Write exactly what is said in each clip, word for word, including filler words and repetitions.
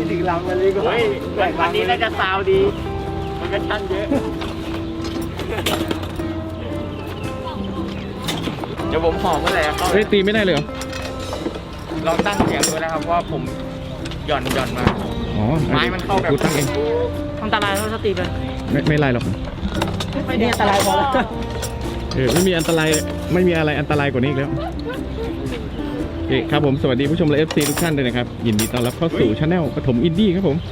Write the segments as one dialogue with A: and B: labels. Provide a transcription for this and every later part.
A: ถึงลำกันเลยก็เฮ้ยวันนี้น่าจะซาวดีมันก็ชั่นเยอะเดี๋ยวผมหอมเมื่อไหร่เขาเฮ้ยตีไม่ได้เลยเหรอลองตั้งเสียงดูนะครับว่าผมหย่อนหย่อนมาอ๋อไม้มันเข้าแบบกูตั้งเองอันตรายเราสติไปไม่ไม่ไรหรอกไม่มีอันตรายพอแล้วเออไม่มีอันตรายไม่มีอะไรอันตรายกว่านี้อีกแล้วโอเคครับผมสวัสดีผู้ชมและ เอฟ ซี ทุกท่านด้วยนะครับยินดีต้อนรับเข้าสู่ช anel ปฐมอินดี้ครับผม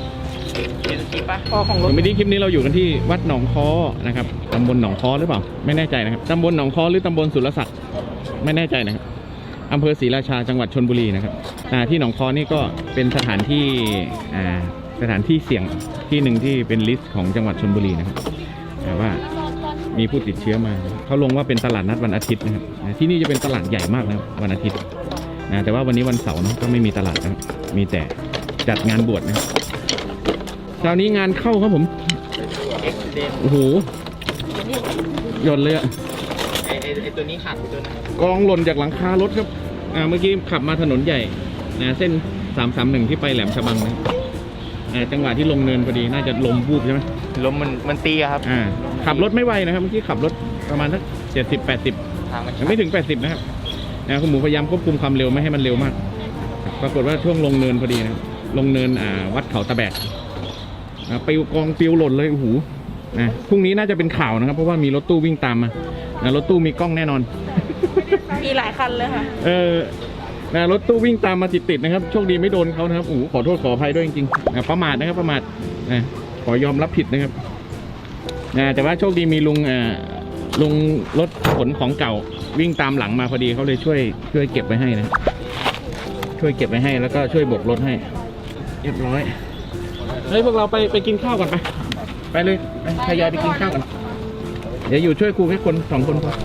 A: ไม่ได้คลิปนี้เราอยู่กันที่วัดหนองค้อนะครับตำบลหนองค้อหรือเปล่าไม่แน่ใจนะครับตำบลหนองค้อหรือตำบลสุรศักดิ์ไม่แน่ใจนะครับอำเภอศรีราชาจังหวัดชลบุรีนะครับที่หนองค้อนี่ก็เป็นสถานที่สถานที่เสี่ยงที่หนึ่งที่เป็นลิสต์ของจังหวัดชลบุรีนะครับว่ามีผู้ติดเชื้อมาเขาลงว่าเป็นตลาดนัดวันอาทิตย์นะครับที่นี่จะเป็นตลาดใหญ่มากนะวันอาทิตย์นะแต่ว่าวันนี้วันเสาร์นะก็ไม่มีตลาดนะมีแต่จัดงานบวชนะครับคราวนี้งานเข้าครับผมโอ้โหหย่อนเลยอะไอไอตัวนี้ขาดตัวนั้นกองหล่นจากหลังคารถครับอ่าเมื่อกี้ขับมาถนนใหญ่นะเส้นสามสามหนึ่งที่ไปแหลมฉบังนะจังหวะที่ลงเนินพอดีน่าจะลมวูบใช่ไหมลมมันมันตีครับอ่าขับรถไม่ไวนะครับเมื่อกี้ขับรถประมาณสักเจ็ดสิบแปดสิบยังไม่ถึงแปดสิบนะครับนะคุณหมูพยายามควบคุมความเร็วไม่ให้มันเร็วมากปรากฏว่าช่วงลงเนินพอดีนะลงเนินอ่าวัดเขาตะแบกปิวกองปิวหล่นเลยโอ้โหนะพรุ่งนี้น่าจะเป็นข่าวนะครับเพราะว่ามีรถตู้วิ่งตามมานะรถตู้มีกล้องแน่นอน
B: มีหลายคันเลยค่ะ
A: เออนะรถตู้วิ่งตามมาติดๆนะครับโชคดีไม่โดนเขานะครับโอ้โหขอโทษขออภัยด้วยจริงๆนะประมาทนะครับประมาทนะขอยอมรับผิดนะครับนะแต่ว่าโชคดีมีลุงอ่าลุงรถขนของเก่าวิ่งตามหลังมาพอดีเขาเลยช่วยช่วยเก็บไว้ให้นะช่วยเก็บไว้ให้แล้วก็ช่วยโบกรถให้เรียบร้อยเฮ้ยพวกเราไปไปกินข้าวก่อนไปไปเลยไปทยอยไปกินข้าวกันเดี๋ยวอยู่ช่วยครูแค่คนสองคนพอ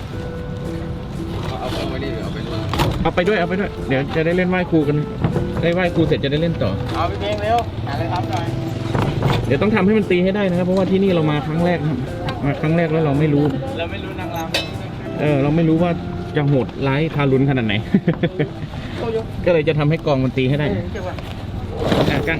A: เอาไปด้วยเอาไปด้วยเดี๋ยวจะได้เล่นไหว้ครูกันได้ไหว้ครูเสร็จจะได้เล่นต่อเอาไปเพลงเร็วหาอะไรทำหน่อยเดี๋ยวต้องทำให้มันตีให้ได้นะครับเพราะว่าที่นี่เรามาครั้งแรกครับมาครั้งแรกแล้วเราไม่รู้เราไม่รู้นางรำเออเราไม่รู้ว่าจะโหดร้ายทารุณขนาดไหน ก็เลยจะทำให้กองมันตีให้ได้กัน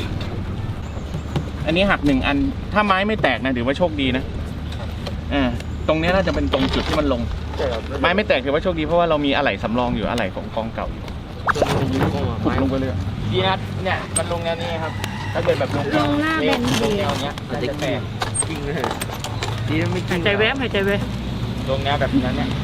A: อันนี้หักหนึ่งอันถ้าไม้ไม่แตกนะถือว่าโชคดีนะอ่าตรงนี้น่าจะเป็นตรงจุดที่มันลงไม้ไม่แตกถือว่าโชคดีเพราะว่าเรามีอะไหล่สำรองอยู่อะไหล่ของกองเก่าอยู่ถูกลงไปเลยดีนะเนี่ยมันลงแนวนี้ครับถ้าเกิดแบบลง
B: ลงหน้าแบน
A: ลงแนวเนี้ยมันจะแตกจริงเลยดีไม่จริง
B: ใจแวบหายใจแวบ
A: ลงแนวแบบนั้นเนี่ย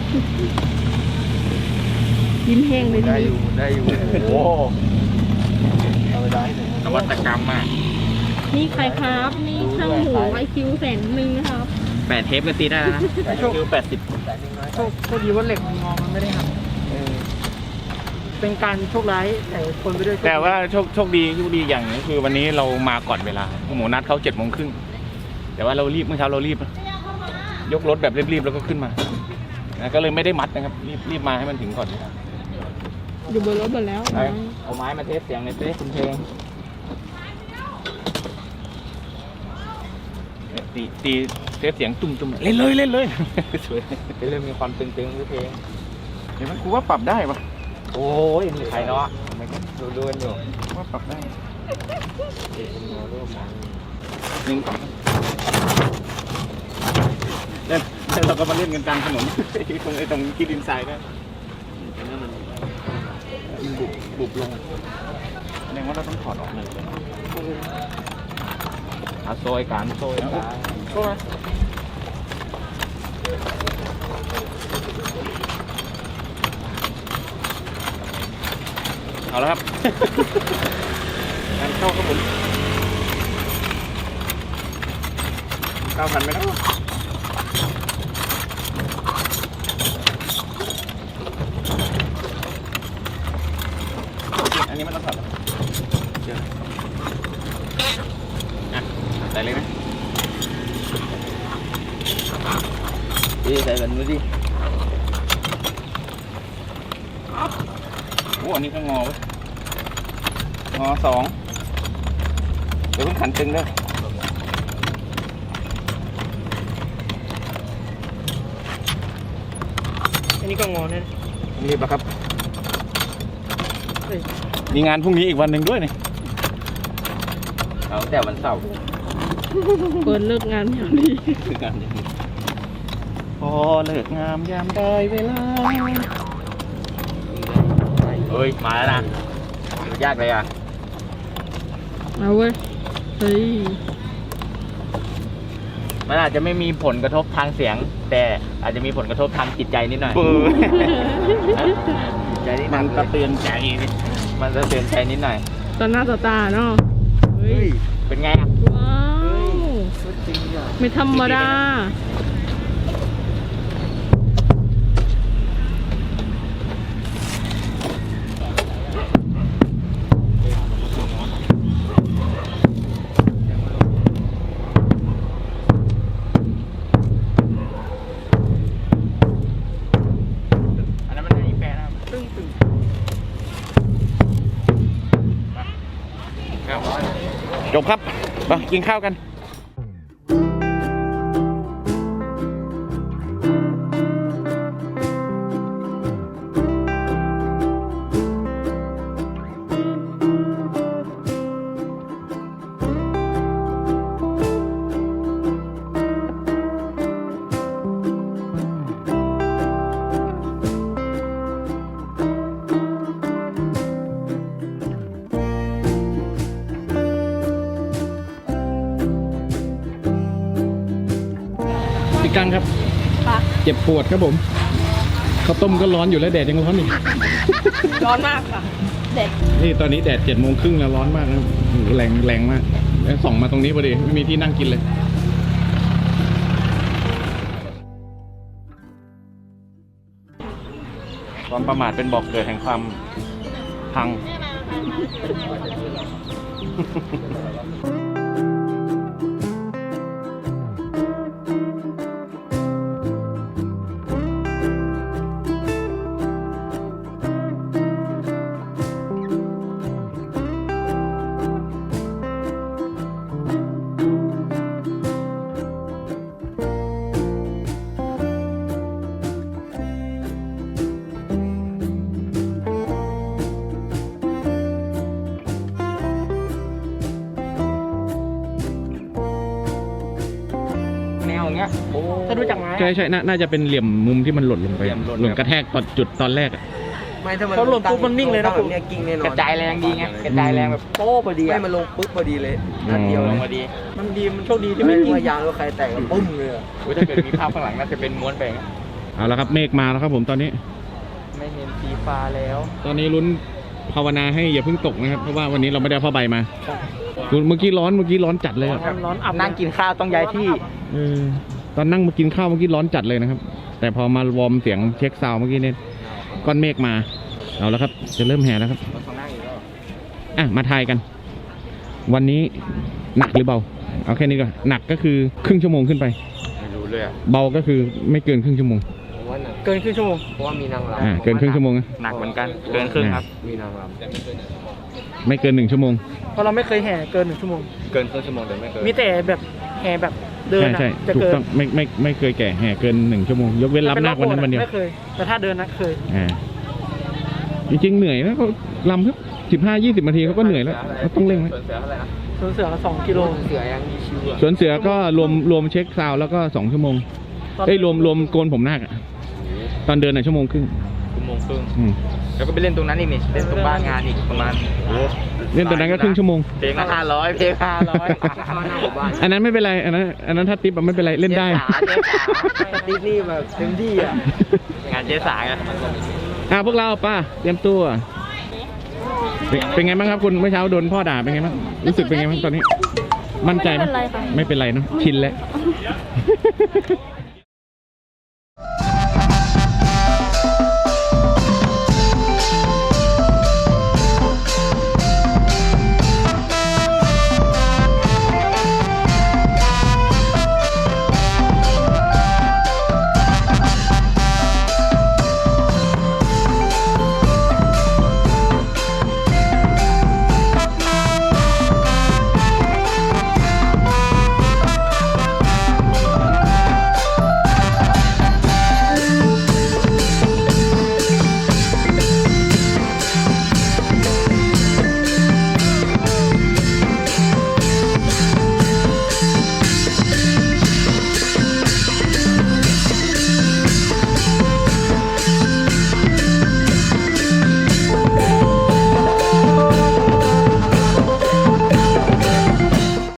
B: ยิ้มแห้งเลย
A: ได้อยู่ได้อยู่โอ้เอาไปได้นวัตกรรมมาก
B: นี่ใครครับนี่ช่างหูไอคิวแสนหนึ่งนะครับ
A: แปดเทปก็ตีได้นะไอคิวแปดสิบโชคโชคดีว่าเหล็กมันงอมันไม่ได้หักเป็นการโชคร้ายแต่คนไปด้วยแต่ว่าโชคโชคดีโชคดีอย่างนึงคือวันนี้เรามาก่อนเวลาหมูนัดเขาเจ็ดโมงครึ่งแต่ว่าเรารีบเมื่อเช้าเรารีบยกรถแบบรีบๆแล้วก็ขึ้นมาก็เลยไม่ได้มัดนะครับรีบรีบมาให้มันถึงก่อน
B: อยู่บนรถหมดแล้ว
A: เอาไม้มาเทสเสียงในเทสคุณเพลงตีตีเทสเสียงตุ้มๆเล่นเลยเล่นเลยสวยเริ่มมีความตึงๆด้วยเพลงเดี๋ยวมันกูว่าปรับได้ปะโอ้ยมีใครเนาะไม่ก็ดูดูกันอยู่ว่าปรับได้หนึ่งสองเล่นเราก็มาเล่นกันกลางถนนตรงไอ้ตรงที่ดินทรายนะมันบุบบุบลงแสดงว่าเราต้องถอดออกเลยอาโซยการโซยการโซ่เอาแล้วครับงานเข้าครับผมเก้าพันไหมครับอันนี้มันต้องถอดเชื่ออ่ะใส่เลยนะดีใส่แบบนี้ดิโอ้อันนี้ก็งอวะงอสองเดี๋ยวเพิ่งขันตึงด้วยอันนี้ก็งอเนี่ยรีบแล้วครับมีงานพรุ่งนี้อีกวันหนึ่งด้วยนี่
C: เอาแต่วันเสาร์
B: เปิดเลิกงานอย่างดี
C: คือกัน
A: พอเลิกงามยามได้เวลา
C: เฮ้ยมาแล้วนะดูยากเลยอ่ะ
B: เอาเว้ยเฮ้ย
C: มันอาจจะไม่มีผลกระทบทางเสียง แต่อาจจะมีผลกระทบทางจิตใจนิดหน่อย
A: ปื้
C: ใจนิดมันกระเตือนใจมันกระเตือนใจนิดหน่อย
B: ตอนหน้าต่อตาเนาะเฮ้ย
C: เป็นไงอ่ะ
B: ว้าวไม่ธรรมดา
C: อันนั้นมันได้อีแปะนะครับตึ้งตึ้งครับ
A: จบครับไปกินข้าวกัน พี่กังครับ
B: ค่ะ
A: เจ็บปวดครับผมข้าวต้มก็ร้อนอยู่แล้วแดดยังร้อนอีก
B: ร้อนมากค่ะเด็ด
A: นี่ตอนนี้แดดเจ็ดโมงครึ่งแล้วร้อนมากนะโอ้โหแรงแรงมากแล้วส่องมาตรงนี้พอดีไม่มีที่นั่งกินเลย ความประมาทเป็นบอกเกิดแห่งความพัง
C: แนวอย่างเงี้ยโอ้
B: จะดูจากไม้
A: ใช่ใช่น่าน่าจะเป็นเหลี่ยมมุมที่มันหล่นลงไป
C: เหลี่ยมหล่น
A: หล่นกระแทกตอนจุดตอนแรกอะ
D: ไม่ถ้ามัน
B: เขาหล่นปุ๊บมันนิ่งเลยนะ
D: ตั้แบบเนี่ยกิ้งแน่นอน
C: กระจายแรงดีไงกระจายแรงแบบโป๊ะพอดี
D: ไม่
C: อะ
D: มันลงปุ๊บพอดีเลยนัดเดียว
C: ล
D: เล
C: ง
D: ย
C: พอดี
B: มันดีมันโชคดีที่
D: ไม่
B: ไม่ยิง
D: ว่ายางรถใครแตกก็ปุ้มเลยอะ
C: โอ้ยถ้าเกิดมีภาพข้างหลังน่าจะเป็นม้วนไปนะ
A: เอาละครับเมฆมาแล้วครับผมตอนนี้
C: ไม่เห็นสีฟ้าแล้ว
A: ตอนนี้ลุ้นภาวนาให้อย่าเพิ่งตกนะครับเพราะว่าวันนี้เราไม่ได้เอาผ้าใบมาเมื่อกี้ร้อนเมื่อกี้ร้อนจัดเลยอะ
B: ร้อนอับ
C: นั่งกินข้าวต้องย้ายที่
A: เออตอนนั่งมากินข้าวเมื่อกี้ร้อนจัดเลยนะครับ แต่พอมาวอร์มเสียงเช็คซาวด์เมื่อกี้เนี่ยก้อนเมฆมาเอาแล้วครับ จะเริ่มแห่แล้วครับ
C: มันข้างหน้าอีกแล้ว
A: อ่ะมาทายกัน วันนี้หนักหรือเบา เอาแค่นี้ก่อนหนักก็คือครึ่งชั่วโมงขึ้นไป
C: ไม่รู้เลยอะ
A: เบาก็คือไม่เกินครึ่งชั่วโมง
D: ผมว่าหนัก
B: เกินครึ่งชั่วโมง
D: เพราะว่ามีนางร
A: อ่าเกินครึ่งชั่วโมงนะ
C: หนักเหมือนกัน เกินครึ่งครับ
D: ำมีนางร
A: ไม่เกินหนึ่งชั่วโมง
B: เพราะเราไม่เคยแห่เกินหนึ่งชั่วโมง
C: เกินครึ่งชั่วโมงเดินไม่เกิน
B: มีแต่แบบแห่แบบเดิน
A: ใช่
B: อะ
A: ใช่
B: จะ
A: ถูก
B: เกิน
A: ต้องไม่ไม่ไม่เคยแก่แห่เกินหนึ่งชั่วโมงยกเว้นรับนาควันนั้นวันเดียว
B: ไม่เคย แต่ถ้าเดินนะเคย
A: อ่าจริงๆเหนื่อยนะเขาลำเพิ่สิบห้ายี่สิบนาทีเขาก็เหนื่อยแล้วเขาต้องเร่งแล้ว
C: ส่วนเสือเท่าไหร่นะ
B: สวนเสือสองกิโล
D: เสือยังมีชิวอะ
A: สวนเสือก็รวมรวมเช็คซาวด์แล้วก็สองชั่วโมง
B: ตอน
A: เอ้ยรวมรวมโกนผมนาคอะตอนเดินน่ะชั่วโมงครึ่ง
C: ชั่วโมงครึ่ง
A: อืม
C: แล้วก็ไปเล่นตรงนั้นอีกนี่ เล่นตรงบ้านงานอีกประมาณโอ้โห
A: เล่นตอนนั้นก็ครึ่งชั่วโมง
C: เพลงละห้าร้อยเพลงห้าร้อย
D: เข้าหน้าหมู่บ้าน
A: อันนั้นไม่เป็นไรอันนั้นอันนั้นถ้าติ๊บอะไม่เป็นไรเล่นได้
C: เจ๊สาเจ๊สา
D: ติ๊กนี่แบบเต็มที่อ่ะ
C: งานเจ๊สาไง
A: อ่าพวกเราป้าเตรียมตัวเป็นเป็นไงบ้างครับคุณเมื่อเช้าโดนพ่อด่าเป็นไงบ้างรู้สึกเป็นไงบ้างตอนนี้ มั่นใจไหม
B: ไม่เป็นไรค่ะ
A: ไม่เป็นไรเนาะชินแล้ว